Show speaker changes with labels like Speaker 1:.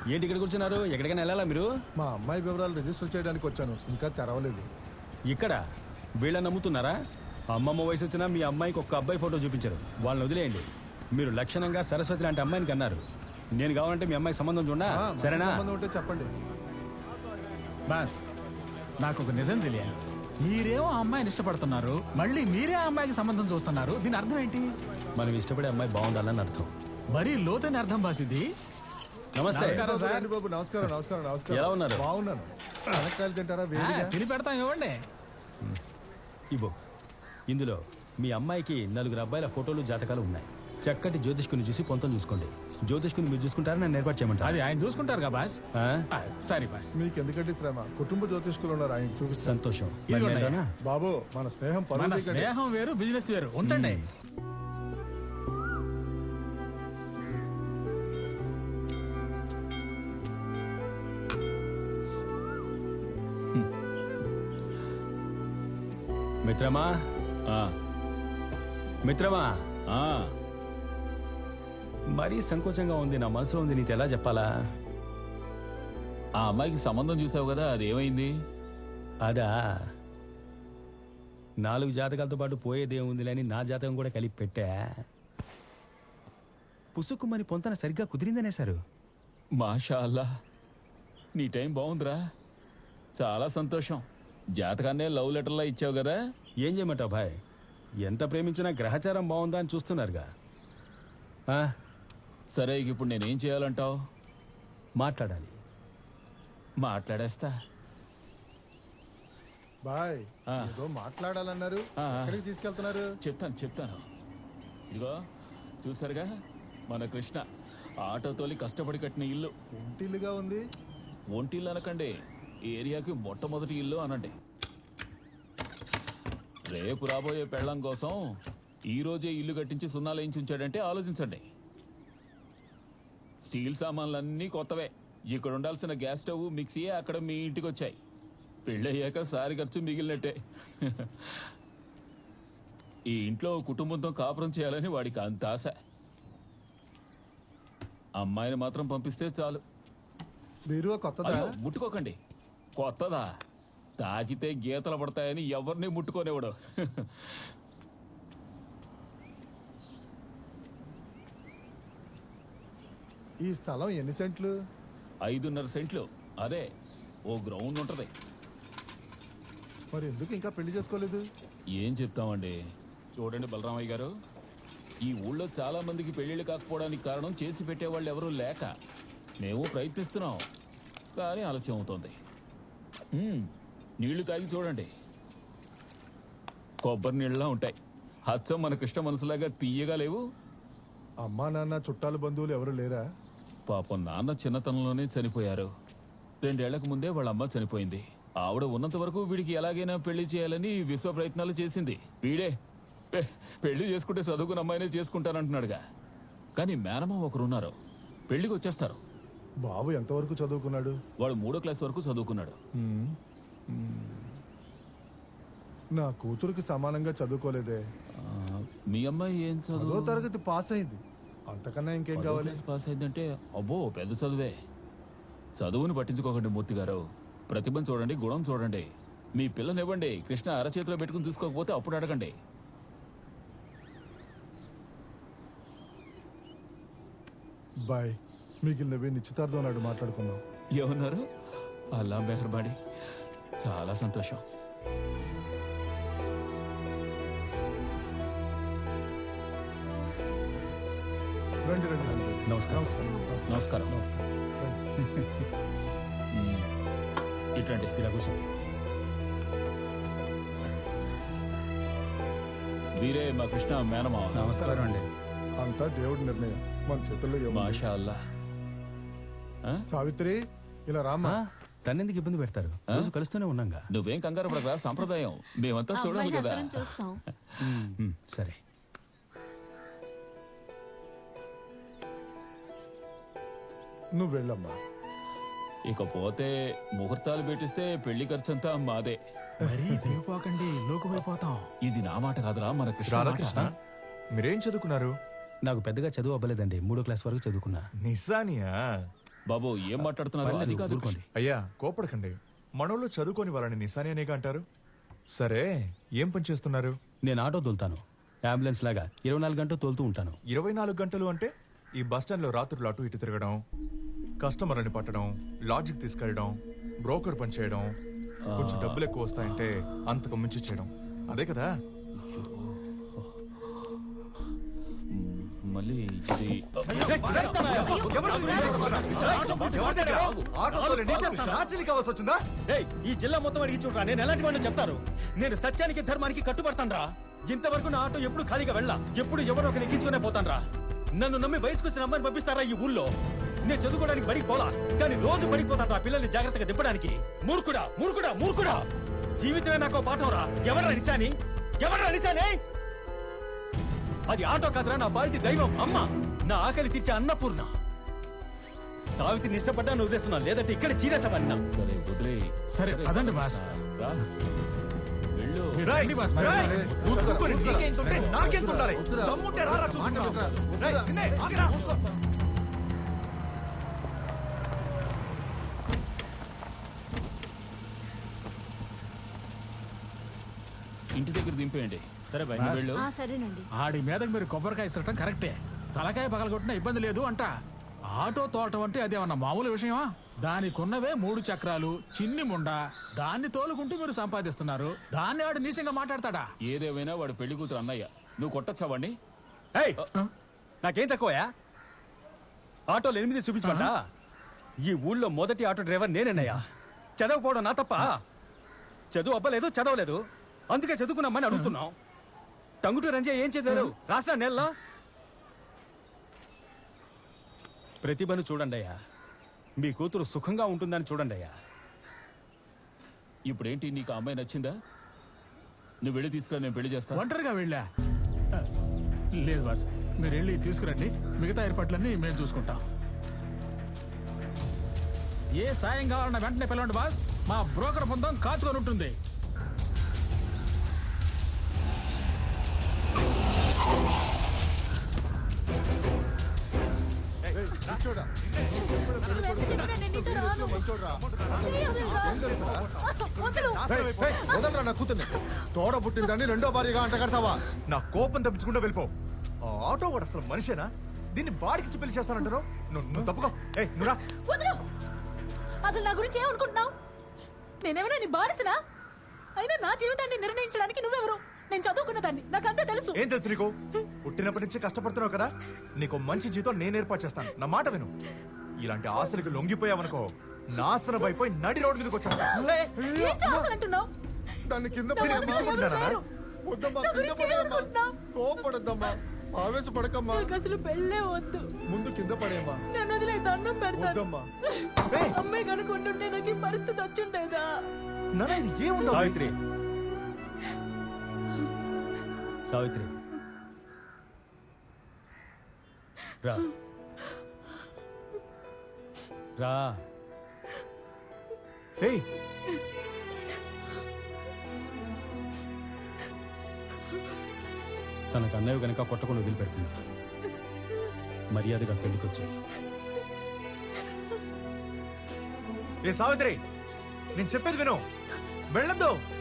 Speaker 1: ఏంటి ఇక్కడ కూర్చున్నారు? ఎక్కడికైనా వెళ్ళాలా మీరు?
Speaker 2: మా అమ్మాయి వివరాలు రిజిస్టర్ చేయడానికి వచ్చాను, ఇంకా తెరవలేదు.
Speaker 1: ఇక్కడ వీళ్ళని నమ్ముతున్నారా? అమ్మమ్మ వయసు వచ్చినా మీ అమ్మాయికి ఒక్క అబ్బాయి ఫోటో చూపించారు. వాళ్ళని వదిలేయండి. మీరు లక్షణంగా సరస్వతి లాంటి అమ్మాయిని కన్నారు. నేను కావాలంటే మీ అమ్మాయి సంబంధం చూడా, సరేనా?
Speaker 2: సంబంధం ఉంటే చెప్పండి.
Speaker 3: బాస్, నాకు ఒక నిజం తెలియాలి. మీరేమో ఆ అమ్మాయిని ఇష్టపడుతున్నారు, మళ్ళీ మీరే ఆ అమ్మాయికి సంబంధం చూస్తున్నారు. దీని అర్థం ఏంటి?
Speaker 1: మనం ఇష్టపడే అమ్మాయి బాగుండాలని అర్థం.
Speaker 3: మరీ లోతైన అర్థం బాస్ ఇది.
Speaker 1: నమస్తే.
Speaker 3: నమస్కారం సార్.
Speaker 2: రండి బాబు, నమస్కారం నమస్కారం నమస్కారం.
Speaker 1: ఎలా ఉన్నారు?
Speaker 2: బాగున్నాను. వెనకాయలు తింటారా? వేడిగా
Speaker 3: తిని పెడతాం, ఇవ్వండి.
Speaker 1: ఇబో, ఇందులో మీ అమ్మాయికి 4 అబ్బాయిల ఫోటోలు, జాతకాలు ఉన్నాయి. చక్కటి జ్యోతిష్కుని చూసి పొంతం చూసుకోండి. జ్యోతిష్కుని మీరు చూసుకుంటారని నన్ను ఏర్పాటు చేయమంటారు.
Speaker 3: అది ఆయన చూసుకుంటారు కదా బాస్. సరే బాస్.
Speaker 2: మీకు ఎందుకంటే శ్రమ, కుటుంబ జ్యోతిష్కులు ఉన్నారు, ఆయన చూపిస్తాను.
Speaker 1: సంతోషం.
Speaker 3: ఇదిగోండి.
Speaker 1: మరి నేనేనా?
Speaker 2: బాబు, మన స్నేహం
Speaker 3: మన
Speaker 2: పరువు దిగండి.
Speaker 3: స్నేహం వేరు, బిజినెస్ వేరు. ఉంచండి.
Speaker 1: మిత్రమా, మిత్రమా, మరీ సంకోచంగా ఉంది. నా మనసులో ఉంది, నీకు ఎలా చెప్పాలా?
Speaker 4: ఆ అమ్మాయికి సంబంధం చూసావు కదా, అది ఏమైంది?
Speaker 1: అదా, 4 జాతకాలతో పాటు పోయేదేముందిలే అని నా జాతకం కూడా కలిపి పెట్టా. పుసుక్కుమని పొంతన సరిగ్గా కుదిరిందనేశారు.
Speaker 4: మాషా అల్లా, నీ టైం బాగుందిరా. చాలా సంతోషం. జాతకాన్నే లవ్ లెటర్లా ఇచ్చావు కదా.
Speaker 1: ఏం చేయమంటావు భాయ్? ఎంత ప్రేమించినా గ్రహచారం బాగుందా అని చూస్తున్నారుగా.
Speaker 4: సరే, ఇప్పుడు నేనేం చేయాలంటావు?
Speaker 1: మాట్లాడాలి.
Speaker 4: మాట్లాడేస్తా.
Speaker 2: బాయ్, ఏదో మాట్లాడాలన్నారు. ఎక్కడికి తీసుకెళ్తున్నారు?
Speaker 4: చెప్తాను. ఇదిగో చూసారుగా, మన కృష్ణ ఆటో తోలి కష్టపడి కట్టిన ఇల్లు.
Speaker 2: ఒంటిల్లుగా ఉంది.
Speaker 4: ఒంటిల్లు అనకండి, ఏరియాకి మొట్టమొదటి ఇల్లు అనండి. రేపు రాబోయే పెళ్ళం కోసం ఈ రోజే ఇల్లు కట్టించి సున్నాలు వేయించి ఉంచాడంటే ఆలోచించండి. స్టీల్ సామాన్లన్నీ కొత్తవే. ఇక్కడ ఉండాల్సిన గ్యాస్ స్టవ్, మిక్సీయే అక్కడ మీ ఇంటికి వచ్చాయి. పెళ్ళయ్యాక సారి ఖర్చు మిగిలినట్టే. ఈ ఇంట్లో కుటుంబంతో కాపురం చేయాలని వాడికి అంత ఆశ. అమ్మాయిని మాత్రం పంపిస్తే చాలు.
Speaker 2: బీరువా కొత్తదా?
Speaker 4: అయ్యో, ముట్టుకోకండి. కొత్తదా? తాకితే గీతలు పడతాయని ఎవరిని ముట్టుకోనివ్వడు.
Speaker 2: ఈ స్థలం ఎన్ని సెంట్లు?
Speaker 4: 5.5 సెంట్లు. అదే, ఓ గ్రౌండ్ ఉంటది.
Speaker 2: మరి ఎందుకు ఇంకా పెళ్లి చేసుకోలేదు?
Speaker 4: ఏం చెప్తామండి. చూడండి బలరామయ్య గారు, ఈ ఊళ్ళో చాలా మందికి పెళ్లిళ్ళు కాకపోవడానికి కారణం చేసి పెట్టేవాళ్ళు ఎవరూ లేక. మేము ప్రయత్నిస్తున్నాం, కానీ ఆలస్యం అవుతోంది. నీళ్లు తాగి చూడండి, కొబ్బరి నీళ్ళలా ఉంటాయి. హచ్చం మన కృష్ణ మనసులాగా తీయగా లేవు.
Speaker 2: అమ్మా నాన్న, చుట్టాలు, బంధువులు ఎవరు లేరా?
Speaker 4: పాపం నాన్న చిన్నతనంలోనే చనిపోయారు. 2 ఏళ్లకు ముందే వాళ్ళ అమ్మ చనిపోయింది. ఆవిడ ఉన్నంత వరకు వీడికి ఎలాగైనా పెళ్లి చేయాలని విశ్వ ప్రయత్నాలు చేసింది. వీడే పెళ్లి చేసుకుంటే చదువుకున్న అమ్మాయినే చేసుకుంటానంటున్నాడుగా. కానీ మేనమా ఒకరున్నారు, పెళ్లికి వచ్చేస్తారు.
Speaker 2: బాబు ఎంతవరకు చదువుకున్నాడు?
Speaker 4: వాడు 3వ క్లాస్ వరకు చదువుకున్నాడు.
Speaker 2: నా కూతురికి సమానంగా చదువుకోలేదే.
Speaker 4: మీ అమ్మాయి ఏం
Speaker 2: 10వ
Speaker 4: చదువు?
Speaker 2: తరగతి పాస్ అయింది. అంతకన్నా ఇంకేం
Speaker 4: 10వ
Speaker 2: కావాలి?
Speaker 4: క్లాస్ పాస్ అయిందంటే అబ్బో పెద్ద చదువే. చదువుని పట్టించుకోకండి మూర్తి గారు. ప్రతిభను చూడండి, గుణం చూడండి. మీ పిల్లనివ్వండి, కృష్ణ అరచేతిలో పెట్టుకుని చూసుకోకపోతే అప్పుడు అడగండి.
Speaker 2: బాయ్, మిగిలినవి నిశ్చితార్థం నాడు మాట్లాడుకుందాం.
Speaker 4: ఏమన్నారు? అల్లా మెహర్బాడి. చాలా సంతోషం.
Speaker 2: రండి రండి రండి.
Speaker 1: నమస్కారం.
Speaker 4: నమస్కారం. ఇటండి.
Speaker 1: ఇలా కూర్చోండి.
Speaker 4: వీరే మా కృష్ణ మేనమా.
Speaker 1: నమస్కారం అండి.
Speaker 2: అంతా దేవుడి నిర్ణయం, మన చేతుల్లో ఏముంది?
Speaker 4: మాషా అల్లా.
Speaker 2: సావిత్రి, ఇలా రామ్మా.
Speaker 1: తన్నెందుకు ఇబ్బంది పెడతారు? రోజు కలుస్తూనే ఉన్నాగా.
Speaker 4: నువ్వేం కంగారు పడరా, సంప్రదాయం మేమంతా చూడాలి కదా.
Speaker 1: సరే.
Speaker 2: నువ్వు వెళ్ళమ్మా.
Speaker 4: ఇకపోతే ముహూర్తాలు పెట్టిస్తే పెళ్లి ఖర్చంతా మాదే.
Speaker 3: మరీ దిగిపోకండి, లోకమైపోతాం.
Speaker 4: ఇది నా మాట కాదురా, మన కృష్ణ మాట.
Speaker 5: రాధాకృష్ణ, మీరేం చదువుకున్నారు?
Speaker 1: నాకు పెద్దగా చదువు అవ్వలేదండి. 3వ క్లాస్ వరకు చదువుకున్నా.
Speaker 5: నిజానియా?
Speaker 4: బాబు ఏం మాట్లాడుతున్నారు అది కాదు
Speaker 1: ఊరుకోండి.
Speaker 5: అయ్యా కోపడకండి. మనోళ్ళు చదువుకొని వాళ్ళని నిశాని అనేగా అంటారు. సరే ఏం పని చేస్తున్నారు?
Speaker 1: నేను ఆటో తోలుతాను, అంబులెన్స్ లాగా 24 గంటలు తోలుతూ ఉంటాను.
Speaker 5: 24 గంటలు అంటే ఈ బస్ స్టాండ్ లో రాత్రులు అటు ఇటు తిరగడం, కస్టమర్ని పట్టడం, లాడ్జికి తీసుకెళ్ళడం, బ్రోకర్ పని చేయడం, కొంచెం డబ్బులు ఎక్కువ వస్తాయంటే అంతకు మించి చేయడం, అదే కదా?
Speaker 4: మళ్ళీ ఇది
Speaker 1: ఏయ్, ఈ జిల్లా మొత్తం అడిగి చూడరా, నేను ఎలాంటి వాడిని చెప్తారు. నేను సత్యానికి ధర్మానికి కట్టుబడతాను రా. ఇంతవరకు నా ఆటో ఎప్పుడు ఖాళీగా వెళ్ళా, ఎప్పుడు ఎవరో ఒకరు ఎక్కించుకునే పోతాను రా. నన్ను నమ్మి వయసుకు వచ్చిన అమ్మాయిని పంపిస్తారా ఈ ఊళ్ళో? నేను చదువుకోవడానికి బడికి పోలా, కానీ రోజు బడికి పోతాను రా పిల్లల్ని జాగ్రత్తగా దింపడానికి. మూర్ఖుడా మూర్ఖుడా మూర్ఖుడా, జీవితమే నాకు పాఠం రా. ఎవర్రా నిశాని? ఎవర్రా నిశాని? అది ఆటో కాదురా, నా బాల్టి దైవం అమ్మ, నా ఆకలి తీర్చే అన్నపూర్ణ. సావిత్రిని ఇష్టపడ్డాను వదిలేస్తున్నా, లేదంటే ఇక్కడ చీరేసామన్నా.
Speaker 4: సరే వదిలే.
Speaker 3: సరే పదండి బాస్.
Speaker 4: రా. వెళ్ళు.
Speaker 3: మీరు రండి బాస్, మరి.
Speaker 4: ఇంటి దగ్గర దింపేయండి.
Speaker 1: సరే బాయ్,
Speaker 3: బాస్.
Speaker 4: వెళ్ళు.
Speaker 6: సరేనండి.
Speaker 3: ఆడి మీదకి మీరు కొబ్బరికాయ ఇసరటం కరెక్టే, తలకాయ పగలగొట్టినా ఇబ్బంది లేదు అంట. ఆటో తోటం అంటే అదేమన్నా మామూలు విషయమా? దానికున్నవే 3 చక్రాలు, చిన్ని ముండ, దాన్ని తోలుకుంటూ మీరు సంపాదిస్తున్నారు. దాన్ని ఆడు నీచంగా మాట్లాడతాడా?
Speaker 4: ఏదేమైనా వాడు పెళ్లి కూతురు అన్నయ్య, నువ్వు కొట్టచ్చా వాడిని?
Speaker 1: ఏయ్, నాకేం తక్కువయా? ఆటోలు 8 చూపించమంట. ఈ ఊళ్ళో మొదటి ఆటో డ్రైవర్ నేనేనయ్యా. చదవకపోవడం నా తప్ప? చదువు అవ్వలేదు, చదవలేదు, అందుకే చదువుకున్నామని అడుగుతున్నాం. టంగుటూ రంజే ఏం చదివారు? రాష్ట్ర నెలలో ప్రతిభను చూడండి అయ్యా, మీ కూతురు సుఖంగా ఉంటుందని చూడండి అయ్యా.
Speaker 4: ఇప్పుడేంటి, నీకు ఆ అమ్మాయి నచ్చిందా? నువ్వు వెళ్ళి తీసుకురా, నేను పెళ్లి చేస్తా.
Speaker 3: ఒంటరిగా వెళ్ళా? లేదు బాస్, మీరు వెళ్ళి తీసుకురండి, మిగతా ఏర్పాట్లన్నీ మేము చూసుకుంటాం. ఏ సాయం కావాలన్నా వెంటనే పిలవండి బాస్, మా బ్రోకర్ బృందం కాచుకొని ఉంటుంది.
Speaker 2: కూర్చోడా. వదలరా నా కూతుర్ని. తోడ పుట్టిందని రెండో భార్యగా అంట కడతావా?
Speaker 5: నా కోపం తప్పించుకుంటూ వెళ్ళిపో. ఆ ఆటో వాడు అసలు మనిషేనా? దీన్ని బాడికి పెళ్లి చేస్తానంటారు. నువ్వు తప్పుకో. నువ్వు రా.
Speaker 6: వదలు. అసలు నా గురించి ఏమనుకుంటున్నావు? నేనేమైనా నీ బానిసనా? అయినా నా జీవితాన్ని నిర్ణయించడానికి నువ్వెవరు? నేను చదువుకున్న దాన్ని, నాకంతా తెలుసు.
Speaker 5: ఏం తెలుసు నీకు? పుట్టినప్పటి నుంచి కష్టపడుతున్నావు కదా, నీకు మంచి జీతం నేను ఏర్పాటు చేస్తాను. నా మాట విను. ఇలాంటి ఆశలకు లొంగిపోయావనుకో, నాశనం అయిపోయి నడి రోడ్డు మీదకి వచ్చాను.
Speaker 6: ఏంటి అసలు అంటున్నావు?
Speaker 2: దాన్ని కింద
Speaker 6: నా మనసులో ఎవరు లేరు.
Speaker 2: వద్దమ్మా,
Speaker 6: నా
Speaker 2: కింద
Speaker 6: గురించి
Speaker 2: పడేయమ్మా.
Speaker 6: ఏమనుకుంటున్నావు?
Speaker 2: కోపడద్దమ్మా, ఆవేశపడకమ్మా.
Speaker 6: నాకు అసలు పెళ్ళే వద్దు.
Speaker 2: ముందు కింద పడేయమ్మా.
Speaker 6: నన్ను వదిలే, దండం పెడతాను.
Speaker 2: వద్దమ్మా.
Speaker 6: అమ్మాయి కనుకుంటుంటే నాకు ఈ పరిస్థితి వచ్చిండేదా?
Speaker 1: సావిత్రి, సావిత్రి రా రా.
Speaker 5: ఏయ్,
Speaker 1: తనకు అన్నయ్య గనక కొట్టకుండా వదిలిపెడుతుంది. మర్యాదగా పెళ్లికొచ్చాయి.
Speaker 5: ఏ సావిత్రి, నేను చెప్పేది విను. వెళ్ళొద్దు.